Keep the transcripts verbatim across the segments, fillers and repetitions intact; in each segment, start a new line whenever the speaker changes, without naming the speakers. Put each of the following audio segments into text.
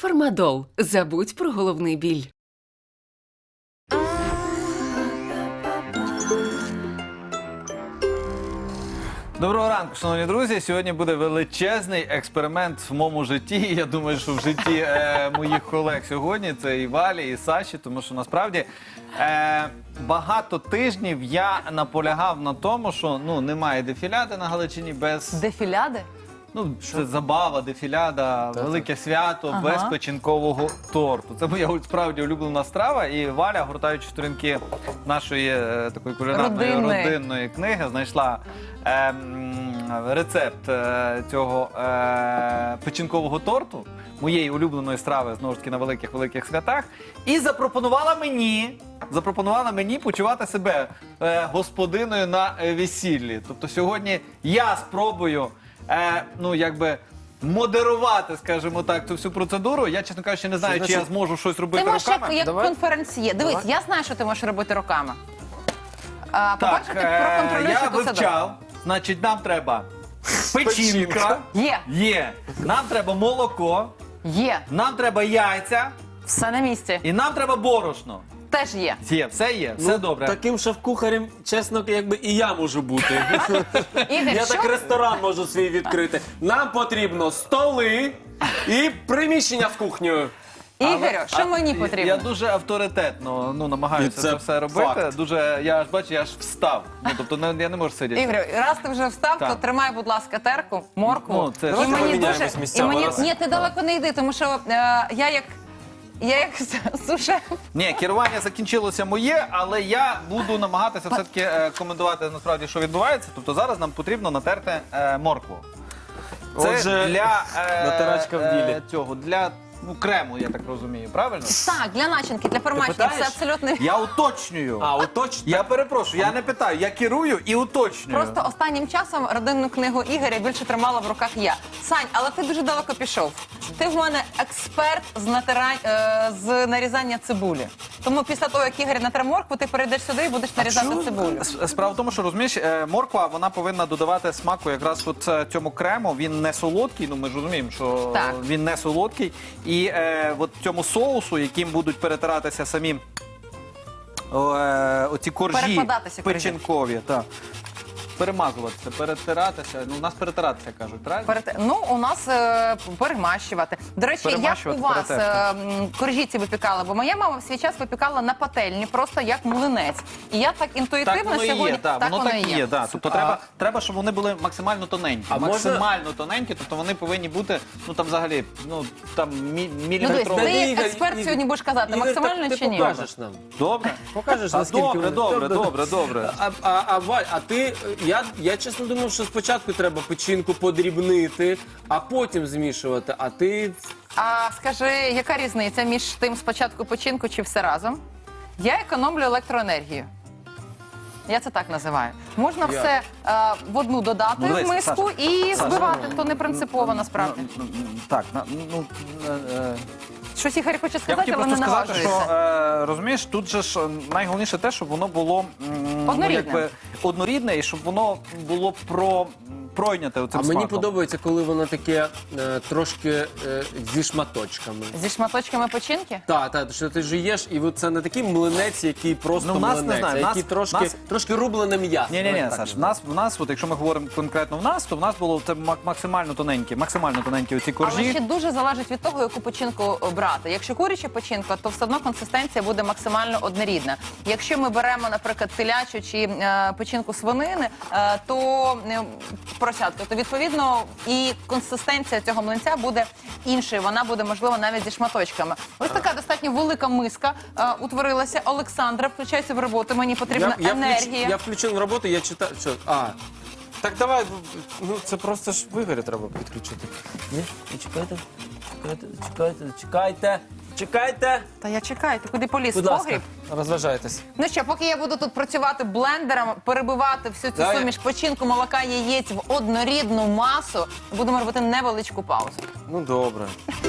Фармадол. Забудь про головний біль.
Доброго ранку, шановні друзі. Сьогодні буде величезний експеримент в моєму житті. Я думаю, що в житті е, моїх колег сьогодні це і Валі, і Саші, тому що насправді е, багато тижнів я наполягав на тому, що ну немає дефіляди на Галичині без...
Дефіляди?
Ну, це забава, дефіляда, велике свято,
Ага.
без печінкового торту. Це моя справді улюблена страва. І Валя, гортаючи сторінки нашої е, такої кулінарної
Родинної.
родинної книги, знайшла е, м, рецепт е, цього е, печінкового торту, моєї улюбленої страви, знову ж таки, на великих-великих святах, і запропонувала мені, запропонувала мені почувати себе е, господиною на е, весіллі. Тобто сьогодні я спробую Е, ну, якби модерувати, скажімо так, цю всю процедуру. Я, чесно кажучи, не знаю,
Що
чи я
значить?
зможу щось робити
Ти можеш як,
руками.
як
Давай.
конференціє. Дивись,
Давай.
я знаю, що ти можеш робити руками. А,
Так,
По-перше, ти
е,
проконтролюєш,
я
яку це
вивчав, значить, нам треба печінка,
Печінка.
Є,
є, нам треба молоко,
є.
нам треба яйця
Все на місці.
і нам треба борошно.
Теж є.
Є, все є, все
Ну,
добре.
Таким шеф-кухарем, чесно, якби і я можу бути.
Ігор,
Я
що?
так ресторан можу свій відкрити. Нам потрібно столи і приміщення з кухнею.
Ігорю, що
А,
мені
я-
потрібно?
Я дуже авторитетно ну, намагаюся
І
це,
це
все робити.
факт.
Дуже, я аж бачу, я аж встав. Ну, тобто не, я не можу сидіти.
Ігорю, раз ти вже встав,
Так.
то тримай, будь ласка, терку, моркву.
Ну, це ж-
і
Давайте
мені
поміняємось
дуже... І
місцями,
мені...
раз.
Ні, ти далеко не йди, тому що е, я як... Я як сушеф.
Ні, керування закінчилося моє, але я буду намагатися все-таки е, коментувати насправді, що відбувається. Тобто зараз нам потрібно натерти е, моркву. Це
Отже,
для е,
натирачка в ділі.
е, цього, для ну, крему, я так розумію, правильно?
Так, для начинки, для формачення, все
питаєш?
абсолютно...
Я уточнюю.
А, оточно.
Я перепрошую, я не питаю, я керую і уточнюю.
Просто останнім часом родинну книгу Ігоря більше тримала в руках я. Сань, але ти дуже далеко пішов. Ти в мене експерт з, натирань, е, з нарізання цибулі. Тому після того, як Ігор натре моркву, ти перейдеш сюди і будеш нарізати
Чому?
цибулю.
С- Справа в тому, що розумієш, е, морква вона повинна додавати смаку якраз от е, цьому крему. Він не солодкий. Ну ми ж розуміємо, що
Так.
він не солодкий. І е, от цьому соусу, яким будуть перетиратися самі о, е, оці коржі
Перекладатися коржі.
печінкові, так. Перемазуватися, перетиратися. Ну, у нас перетиратися кажуть, правильно?
Перед... Ну, у нас е, перемащувати. До речі, як
Перемащувати,
у вас е,
перетерти.
м, коржі ці випікала? Бо моя мама в свій час випікала на пательні, просто як млинець. І я так інтуїтивно
Так воно і
сьогодні...
є, так, воно так і є. Да. Тобто
А-
треба, треба, щоб вони були максимально тоненькі.
А можна-
максимально тоненькі, тобто вони повинні бути, ну там взагалі, ну там мі-
Ну, дивись,
міліметрові.
ти як
Ігор,
експерт
Ігор,
сьогодні будеш казати,
Ігор,
максимально
так
чи ні?
Ти покажеш нам.
Добре?
Покажеш,
А,
наскільки
добре,
вони-
добре, добре, добре.
А, а, а, Валь, а ти, я, я чесно думав, що спочатку треба печінку подрібнити, а потім змішувати, а ти...
А скажи, яка різниця між тим спочатку печінку чи все разом? Я економлю електроенергію. Я це так називаю. Можна
Я.
все е, в одну додати
Ну, дивись,
в миску
Саша,
і
Саша,
збивати, то не принципово насправді.
Ну, ну, Так, на- ну, е, е,
Щось Ігор хоче
я
сказати,
хотів
але
просто
не
сказати, що
наважується.
е, розумієш, тут же ж е, найголовніше те, щоб воно було м,
Однорідне.
ну, якби, однорідне і щоб воно було про, пройняте оцим
А мені
смаком.
подобається, коли воно таке е, трошки е, зі шматочками.
Зі шматочками печінки?
Так, так, що ти жуєш, і от це не такий млинець, який просто
Ну, в нас, не
млинець,
знаю,
а
в
який
нас-
трошки,
нас-
трошки рублене м'ясо.
Ні, ні, ні,
Давай так
Саш, в
називаємо.
нас, в нас, от якщо ми говоримо конкретно в нас, то в нас було це мак- максимально тоненькі, максимально тоненькі оці
Але
коржі.
ще дуже залежить від того, яку печінку брати. Якщо куряча печінка, то все одно консистенція буде максимально однорідна. Якщо ми беремо, наприклад, телячу чи е, печінку свинини, е, то е, поросятку, то відповідно і консистенція цього млинця буде іншою. Вона буде, можливо, навіть зі шматочками. Ось така достатньо велика миска е, утворилася. Олександра, включайся в роботу. Мені потрібна
я, я,
енергія.
Включ, я включив на роботу, я читаю. Що? А, так давай, ну це просто ж в Ігоря треба підключити. Ні? Ну, Чекайте, чекайте, чекайте, чекайте, чекайте.
Та я чекаю, ти куди поліз?
Будь
В
ласка,
погріб?
розважайтесь.
Ну що, поки я буду тут працювати блендером, перебивати всю цю
Давай.
суміш печінку, молока, яєць в однорідну масу, будемо робити невеличку паузу.
Ну добре.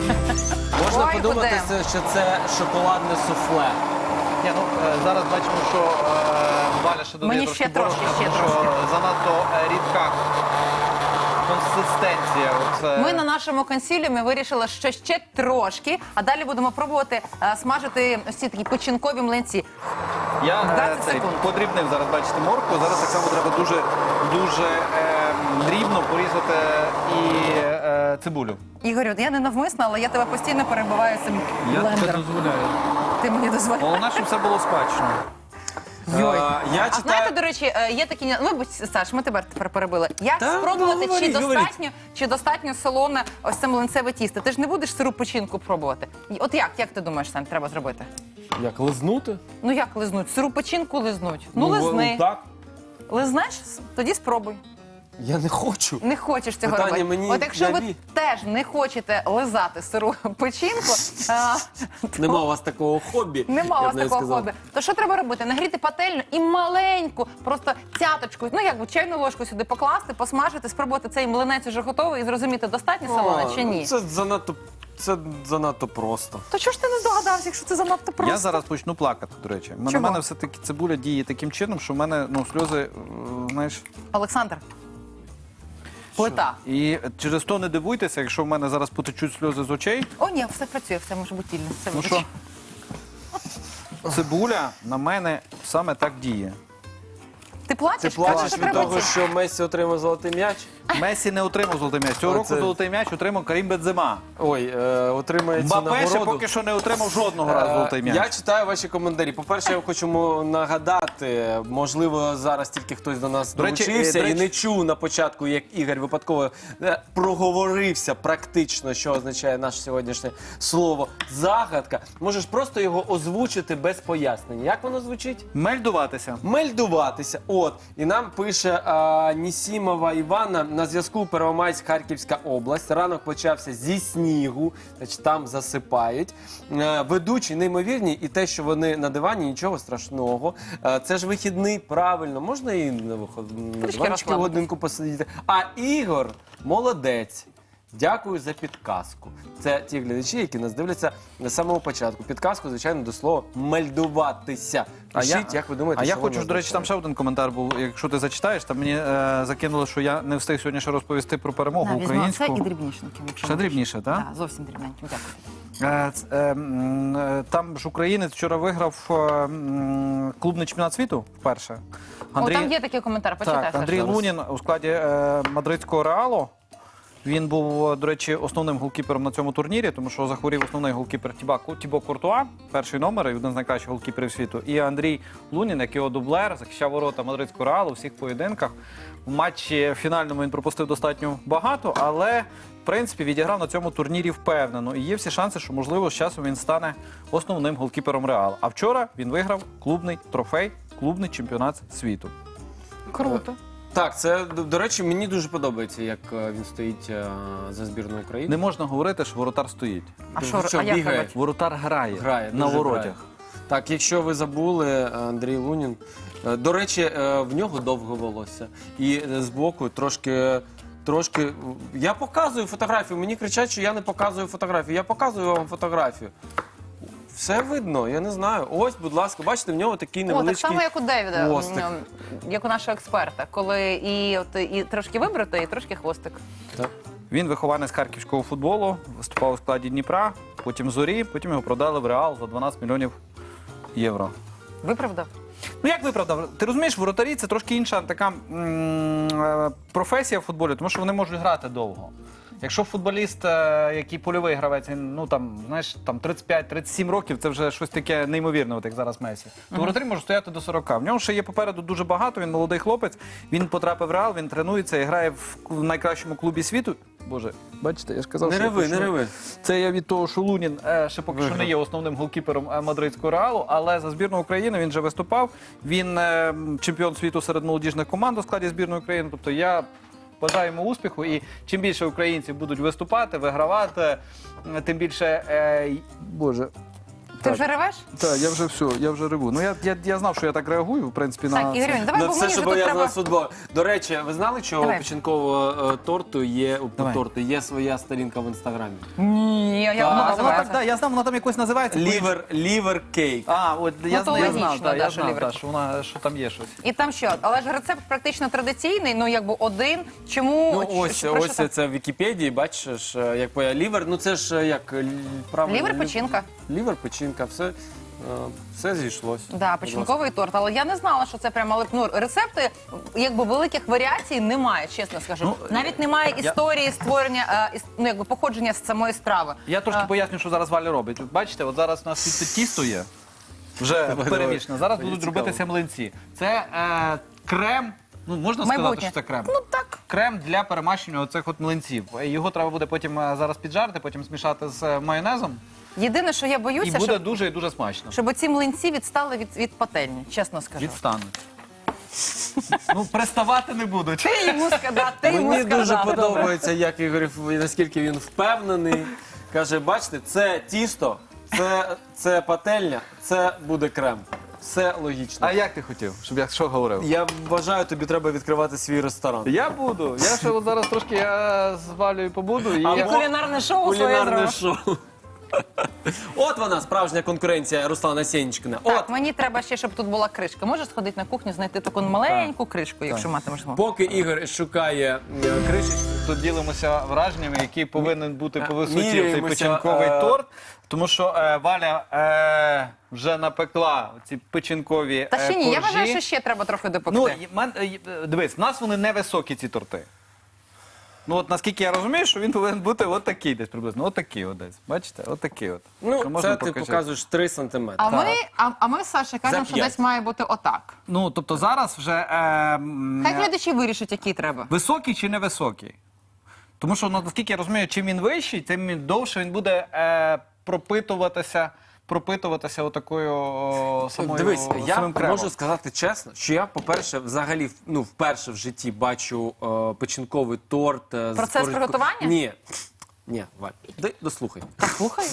Можна
Ой,
подумати,
будемо.
що це шоколадне суфле.
Ні, ну, е, зараз бачимо, що е, Валя ще додає
Мені
трошки
ще трошки,
борошна,
ще
тому що
трошки.
занадто е, рідка консистенція. От, е,
Ми на нашому консиліумі вирішили, що ще трошки, а далі будемо пробувати е, смажити ось ці такі печінкові млинці.
Я е,
двадцять
цей,
секунд.
подрібнив зараз, бачите, моркву. Зараз так само треба дуже, дуже е, дрібно порізати і е, цибулю.
Ігорю, я не навмисно, але я тебе постійно перебиваю цим блендером.
дозволяю.
Ти мені дозволяєш.
Головне, щоб все було смачно.
Йой.
А, я
А
читаю...
знаєте, до речі, е, є такі, ну, будь, Саш, ми тебе тепер перебили. Як
Та,
спробувати,
ну,
чи
говоріть,
достатньо, чи достатньо солоне ось це млинцеве тісто? Ти ж не будеш сиру печінку пробувати. І От як, як ти думаєш, Сань, треба зробити?
Як, лизнути?
Ну як лизнуть? Сиру печінку лизнуть. Ну, лизни.
Так.
Лизнеш? Тоді спробуй.
Я не хочу.
Не хочеш цього
Питання
робити.
мені
От якщо ви
яві.
теж не хочете лизати сиру печінку, а, то
Нема у вас такого хобі.
нема
я
у
б
вас
навіть
такого
сказав.
хобі, то що треба робити? Нагріти пательню і маленьку, просто цяточку, ну як би чайну ложку сюди покласти, посмажити, спробувати цей млинець уже готовий і зрозуміти, достатньо солоне
А,
чи ні.
Це занадто, це занадто просто.
То чого ж ти не здогадався, якщо це занадто просто?
Я зараз почну плакати, до речі. На
Чого?
мене все-таки цибуля діє таким чином, що в мене ну, сльози, е, знаєш.
Олександр. Плита.
І через то не дивуйтеся, якщо в мене зараз потечуть сльози з очей.
О, ні, все працює, все може бути вільно. Все
Ну
вибач.
що, цибуля на мене саме так діє.
Ти плачеш?
Ти
Кажеш,
плачеш
що
від
треба
того,
ці-
що Месі отримав золотий м'яч?
Месі не отримав золотий м'яч. Цього року
Оце-
золотий м'яч отримав Карім Бензема.
Ой, е, отримає цю
Мбаппе ще
нагороду.
поки що не отримав жодного разу золотий
Е,
м'яч.
Я читаю ваші коментарі. По-перше, я хочу му- нагадати, можливо, зараз тільки хтось до нас
До речі,
долучився
е, до
і
речі-
не чув на початку, як Ігор випадково е, проговорився практично, що означає наше сьогоднішнє слово загадка. Можеш просто його озвучити без пояснення. Як воно звучить?
Мельдуватися.
Мельдуватися. От. І нам пише а, Нісімова Івана на зв'язку Первомайськ, Харківська область. Ранок почався зі снігу, значить там засипають. Е, ведучі неймовірні, і те, що вони на дивані, нічого страшного. Е, це ж вихідний, правильно, можна і на, виход... на диванчику
розслабитись.
годинку посидіти. А Ігор молодець. Дякую за підказку. Це ті глядачі, які нас дивляться на самого початку. Підказку, звичайно, до слова мельдуватися. Пишіть, як ви думаєте,
а я
що
хочу,
воно
до речі, там ще
означає?
один коментар був. Якщо ти зачитаєш, там мені е, закинули, що я не встиг сьогодні ще розповісти про перемогу
Да, візьму
українську.
це і дрібнішеньким. якщо
Ще
можеш.
дрібніше, так?
Так, зовсім дрібненьким, дякую.
Е, ц- е, м, е, Там ж українець вчора виграв е, м, клубний чемпіонат світу вперше.
О, там є такий коментар, почитай.
Так,
Саш.
Андрій Лунін у складі е, мадридського Реалу. Він був, до речі, основним голкіпером на цьому турнірі, тому що захворів основний голкіпер Тіба, Тібо Куртуа, перший номер і один з найкращих голкіперів світу. І Андрій Лунін, як його дублер, захищав ворота мадридського Реалу у всіх поєдинках. У матчі фінальному він пропустив достатньо багато, але, в принципі, відіграв на цьому турнірі впевнено. І є всі шанси, що, можливо, з часом він стане основним голкіпером Реалу. А вчора він виграв клубний трофей, клубний чемпіонат світу.
Круто.
Так, це, до, до речі, мені дуже подобається, як е, він стоїть е, за збірну України.
Не можна говорити, що воротар стоїть.
А
Ти
що,
що,
а як
бігає?
робити?
Воротар грає,
Грає,
на
дуже
воротях.
грає. Так, якщо ви забули, Андрій Лунін, е, до речі, е, в нього довге волосся. І е, збоку трошки, трошки... Я показую фотографію, мені кричать, що я не показую фотографію. Я показую вам фотографію. Все видно, я не знаю. Ось, будь ласка, бачите, в нього такий
О, так
невеличкий...
само, як у Девіда,
хвостик.
м, як у нашого експерта, коли і, от, і трошки вибрито, і трошки хвостик.
Так.
Він вихованець харківського футболу, виступав у складі Дніпра, потім Зорі, потім його продали в Реал за дванадцять мільйонів євро.
Виправдав?
Ну як виправдав? Ти розумієш, воротарі це трошки інша така м, е, професія в футболі, тому що вони можуть грати довго. Якщо футболіст, е, який польовий гравець, він, ну там, знаєш, там тридцять п'ять тридцять сім років, це вже щось таке неймовірне, от як зараз Месі. То воротарі можуть стояти до сорока. В нього ще є попереду дуже багато, він молодий хлопець, він потрапив в Реал, він тренується і грає в, в найкращому клубі світу. Боже, бачите, я ж казав,
Не
що я
реви, не
почну.
реви.
Це я від того, що Лунін е, ще поки що не є основним голкіпером е, мадридського Реалу, але за збірну України він вже виступав. Він е, чемпіон світу серед молодіжних команд у складі збірної України. Тобто я бажаю йому успіху, і чим більше українців будуть виступати, вигравати, е, тим більше, е, й- боже,
Ти вже ревеш?
Так, я вже все, я вже реву. Ну я, я, я знав, що я так реагую, в принципі, на
Так,
це.
Ігорюнь, давай,
На
бо
все,
мені
що
вже тут
пов'язано
треба...
з футболом. До речі, ви знали, що у
Давай.
печінкового е, торту є, у
Давай.
торту є своя сторінка в інстаграмі?
Ні, я
Так,
воно
А, вона
називається.
так, да, я знав, вона там якось називається.
Лівер, лівер кейк.
А, от я,
то
я
логічно,
знав, да,
да,
я
що
знав,
лівер.
да, що, вона, що там є щось.
І там що? Але ж рецепт практично традиційний, ну якби один. Чому?
Ну
Ч-
ось,
що- про що
ось
там?
це в Вікіпедії, бачиш, е, як поя лівер. Ну це ж е, як л- правильно.
Лівер
лів-
печінка.
Лівер печінка, все, е, все зійшлось.
Да, печінковий торт. Але я не знала, що це прямо але, ну, рецепти, якби великих варіацій немає, чесно скажу.
Ну,
Навіть немає
я-
історії створення, е, іс- ну якби походження з самої страви.
Я трошки
А.
поясню, що зараз Валя робить. От бачите, от зараз у нас тут тісто є, вже
Давай,
перемішане. Зараз
Мені
будуть
цікаво.
робитися млинці. Це е, крем, ну можна сказати,
Майбутнє.
що це крем?
Ну так.
Крем для перемащення оцих от млинців. Його треба буде потім е, зараз піджарити, потім змішати з е, майонезом.
Єдине, що я
І
боюся,
буде
щоб,
дуже і дуже смачно.
щоб ці млинці відстали від, від пательні, чесно скажу.
Відстануть. Ну, приставати не будуть.
Ти йому сказав, ти йому
Мені
сказав.
дуже подобається, як Ігор, наскільки він впевнений. Каже, бачите, це тісто, це, це пательня, це буде крем. Все логічно.
А як ти хотів, щоб я що говорив?
Я вважаю, тобі треба відкривати свій ресторан.
Я буду. Я ще от зараз трошки я з Валею побуду. І
А
я...
мо-
Кулінарне шоу своє
Кулінарне
зробив.
шоу. От вона, справжня конкуренція Руслана Сєнічкина.
Так,
От,
мені треба ще, щоб тут була кришка. Можеш сходити на кухню, знайти таку маленьку кришку, якщо матимеш змогу.
поки Ігор шукає е, кришечку.
Тут ділимося враженнями, який повинен бути по висоті цей
Міряємося,
печінковий
е,
торт. Тому що е, Валя е, вже напекла ці печінкові
Та ще
е,
ні, я
коржі.
вважаю, що ще треба трохи допекти.
Ну, і мен- е, дивись, в нас вони невисокі, ці торти. Ну, от наскільки я розумію, що він повинен бути от такий десь приблизно. От такий от десь. Бачите? От такий от. Що
Ну,
можна
це ти
покажи?
показуєш три сантиметри.
А ми, а, а ми з Сашею кажемо, що
п'ять.
десь має бути отак.
Ну, тобто зараз вже е, м,
Хай глядачі вирішать, який треба.
високий чи невисокий. Тому що, ну, наскільки я розумію, чим він вищий, тим він довше він буде е, пропитуватися, пропитуватися отакою о, самою,
Дивись, я
самим кремом.
можу сказати чесно, що я, по-перше, взагалі, ну, вперше в житті бачу е, печінковий торт. е, з
Процес
корж-
приготування?
Ні. Ні, Валь, дай дослухай.
Слухай.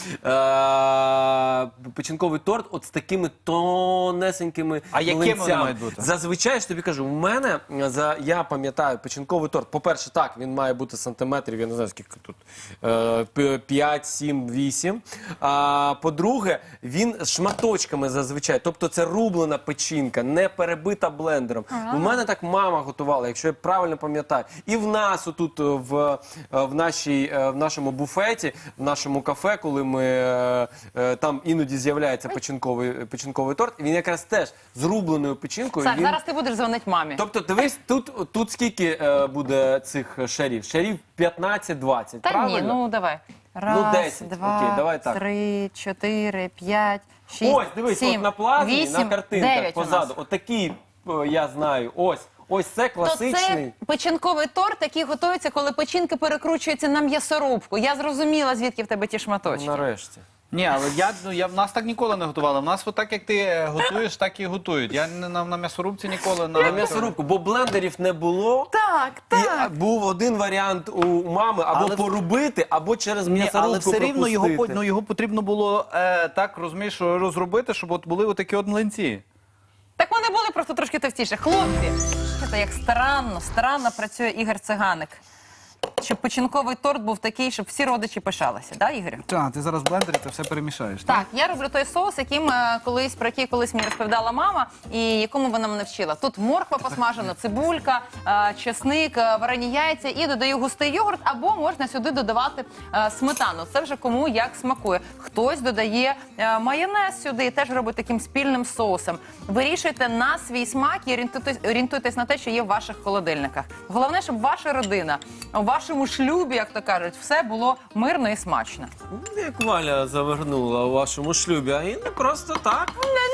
Е, Печінковий торт от з такими тонесенькими
А якими вони
млинцями.
мають бути?
Зазвичай, ж тобі кажу, у мене, е, за, я пам'ятаю, печінковий торт, по-перше, так, він має бути сантиметрів, я не знаю, скільки тут, е, п- п'ять, сім, вісім. А по-друге, він з шматочками зазвичай, тобто це рублена печінка, не перебита блендером. У мене так мама готувала, якщо я правильно пам'ятаю. І в нас отут е, в, е, в, нашій, е, в нашому буфеті, в нашому кафе, коли ми е, е, там іноді з'являється печінковий, печінковий торт, він якраз теж з рубленою печінкою.
Саш,
він...
зараз ти будеш дзвонити мамі.
Тобто, дивись, тут, тут скільки е, буде цих шарів? Шарів п'ятнадцять-двадцять,
Та
правильно?
ні, ну давай. Раз,
десять.
два,
Окей, давай так.
три, чотири, п'ять, шість,
Ось, дивись,
сім,
от на плазмі,
вісім,
на картинках
дев'ять у нас.
позаду. Отакий, е, я знаю, ось. Ось це
То
класичний.
це печінковий торт, який готується, коли печінки перекручуються на м'ясорубку. Я зрозуміла, звідки в тебе ті шматочки.
Нарешті.
Ні, але я, ну, я в нас так ніколи не готували. В нас отак, як ти е, готуєш, так і готують. Я не на, на м'ясорубці ніколи на,
На м'ясорубку, бо блендерів не було.
Так,
І
так.
а, був один варіант у мами або
Але-
порубити, або через
Ні,
м'ясорубку
але все рівно його, по-
пропустити.
ну, його потрібно було е, так, розумієш, що розробити, щоб от були отакі от млинці.
Так вони були просто трошки товстіше. Хлопці, це як старанно, старанно працює Ігор Циганик. Щоб печінковий торт був такий, щоб всі родичі пишалися, да, Ігорю?
Так, ти зараз в блендері це все перемішаєш.
Так, я роблю той соус, яким е, колись про який колись мені розповідала мама, і якому вона мене вчила. Тут морква посмажена, цибулька, е, чесник, е, варені яйця і додаю густий йогурт, або можна сюди додавати е, сметану. Це вже кому як смакує. Хтось додає е, майонез сюди і теж робить таким спільним соусом. Вирішуйте на свій смак і орієнтуйтесь, орієнтуйтесь на те, що є в ваших холодильниках. Головне, щоб ваша родина у вашому шлюбі, як то кажуть, все було мирно і смачно.
Ну, як Валя завернула у вашому шлюбі, а і не просто так.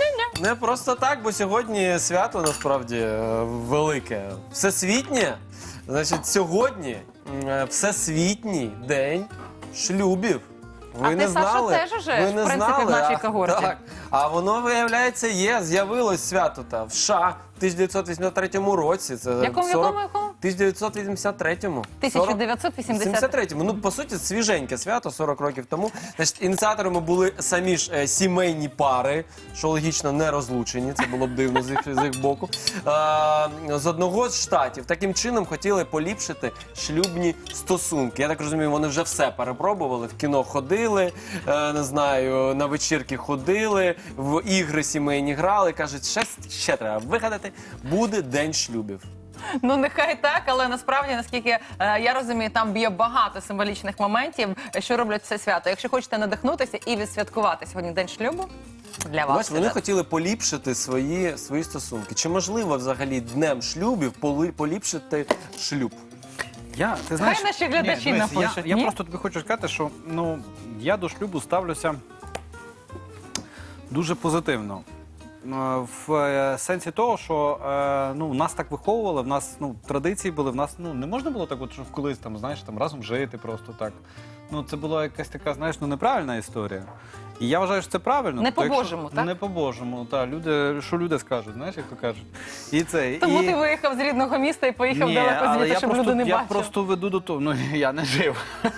Не просто так, бо сьогодні свято насправді е, велике. Всесвітнє. Значить, сьогодні е, всесвітній день шлюбів. Ви
А
не
ти, Саша,
знали?
теж уже,
Ви
в
не
принципі,
знали?
в нашій
А,
когорті.
Так. А воно, виявляється, є. З'явилось свято та в США в тисяча дев'ятсот вісімдесят третьому році. Це
Якому,
сорок
якому, якому?
тисяча дев'ятсот вісімдесят третьому.
тисяча дев'ятсот вісімдесят
сімдесят третьому. Ну, по суті, свіженьке свято, сорок років тому. Значить, ініціаторами були самі ж е, сімейні пари, що логічно не розлучені, це було б дивно з їх, з їх боку. Е, з одного з штатів. Таким чином хотіли поліпшити шлюбні стосунки. Я так розумію, вони вже все перепробували. В кіно ходили, е, не знаю, на вечірки ходили, в ігри сімейні грали. Кажуть, ще, ще треба вигадати, буде день шлюбів.
Ну, нехай так, але насправді, наскільки е, я розумію, там є багато символічних моментів, що роблять це свято. Якщо хочете надихнутися і відсвяткувати сьогодні день шлюбу, для вас.
Бач, вони хотіли поліпшити свої, свої стосунки. Чи можливо взагалі днем шлюбів поли- поліпшити шлюб?
Я, ти знаєш,
наші глядачі
ні, дивись, я,
напишуть,
я
ні?
просто тобі хочу сказати, що ну, я до шлюбу ставлюся дуже позитивно. Е, В е, сенсі того, що е, ну, нас так виховували, в нас ну, традиції були, в нас ну, не можна було так, от, що колись там, знаєш, там, разом жити просто так. Ну, це була якась така, знаєш, ну, неправильна історія. І я вважаю, що це правильно.
Не
Тобто, якщо-
по-божому, так?
Не по-божому, так. Люди, що люди скажуть, знаєш, як то кажуть. І це,
Тому
і...
ти виїхав з рідного міста і поїхав
Ні,
далеко
але
звідти,
я
щоб
просто,
люди не
я
бачили.
просто веду до того, ну я не жив.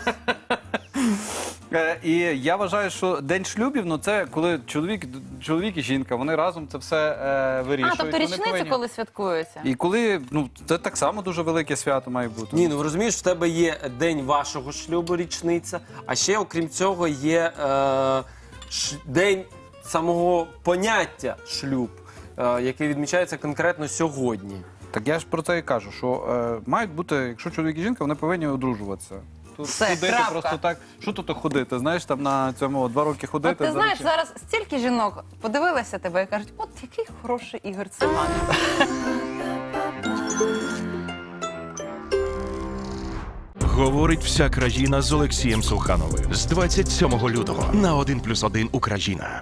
Е, І я вважаю, що день шлюбів, ну це коли чоловік, чоловік і жінка, вони разом це все е, вирішують.
А, тобто
Вони
річниця,
повинні-
коли святкується?
І коли, ну це так само дуже велике свято має бути.
Ні, ну розумієш, в тебе є день вашого шлюбу, річниця, а ще, окрім цього, є е, ш, день самого поняття шлюб, е, який відмічається конкретно сьогодні.
Так я ж про це і кажу, що е, мають бути, якщо чоловік і жінка, вони повинні одружуватися. Тут
Все,
ходити
крапка.
просто так, що тут ходити, знаєш, там на цьому два роки ходити.
От ти
за
знаєш,
речі.
зараз стільки жінок подивилися тебе і кажуть, от який хороший Ігор Циганов.
Говорить вся країна з Олексієм Сухановим з двадцять сьомого лютого на один плюс один Україна.